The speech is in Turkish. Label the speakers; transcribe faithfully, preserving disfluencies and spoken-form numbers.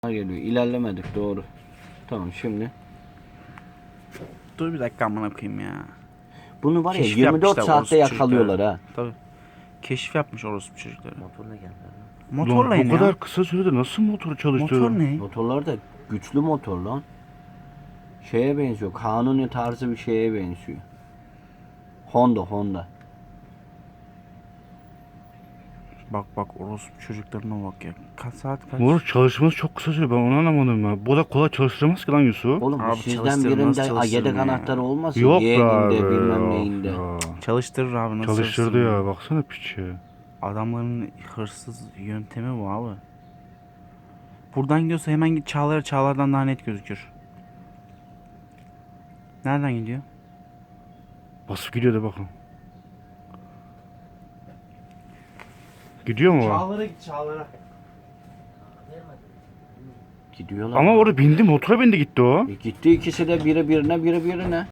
Speaker 1: Geliyor. İlerlemedik doğru. Tamam şimdi.
Speaker 2: Dur bir dakika amına koyayım ya.
Speaker 1: Bunu var ya
Speaker 2: Keşif
Speaker 1: yirmi dört
Speaker 2: yapmışlar
Speaker 1: saatte
Speaker 2: orospu
Speaker 1: yakalıyorlar
Speaker 2: çocukları.
Speaker 1: ha.
Speaker 2: Tabii. Keşif yapmış orospu çocukları.
Speaker 1: Motorla geldiler.
Speaker 2: Motorla
Speaker 3: Lan
Speaker 2: in
Speaker 3: bu
Speaker 2: ya.
Speaker 3: kadar kısa sürede nasıl motoru çalıştırıyor?
Speaker 2: Motor ne?
Speaker 1: Motorlar da güçlü motor lan. Şeye benziyor. Kanuni tarzı bir şeye benziyor. Honda Honda.
Speaker 2: Bak bak orospu çocuklarına bak ya. Kaç saat kaç?
Speaker 3: Moruk çalışması çok kısa sürüyor, ben onu anlamadım ya. Bu da kolay çalıştıramaz ki lan Yusuf.
Speaker 1: Oğlum bu
Speaker 2: Abi
Speaker 1: sizden
Speaker 2: çalıştırın,
Speaker 1: birinde
Speaker 2: nasıl
Speaker 1: a,
Speaker 2: çalıştırın
Speaker 1: yedek
Speaker 2: ya?
Speaker 1: anahtarı olmasın.
Speaker 3: Yok be
Speaker 1: Yeğeninde
Speaker 3: abi.
Speaker 1: bilmem
Speaker 3: of
Speaker 1: neyinde.
Speaker 3: ya.
Speaker 2: Çalıştırır abi nasıl
Speaker 3: Çalıştırdı
Speaker 2: çalışsın
Speaker 3: ya, baksana piçi.
Speaker 2: Adamların hırsız yöntemi bu abi. Buradan gidiyorsa hemen git Çağlar'a, Çağlar'dan daha net gözükür. Nereden gidiyor?
Speaker 3: Basıp gidiyor da bakın. Gidiyor mu o?
Speaker 2: Çağlar'a git Çağlar'a.
Speaker 1: Gidiyorlar.
Speaker 3: Ama orada bindi, motora bindi gitti o.
Speaker 1: E gitti ikisi de biri birine biri birine.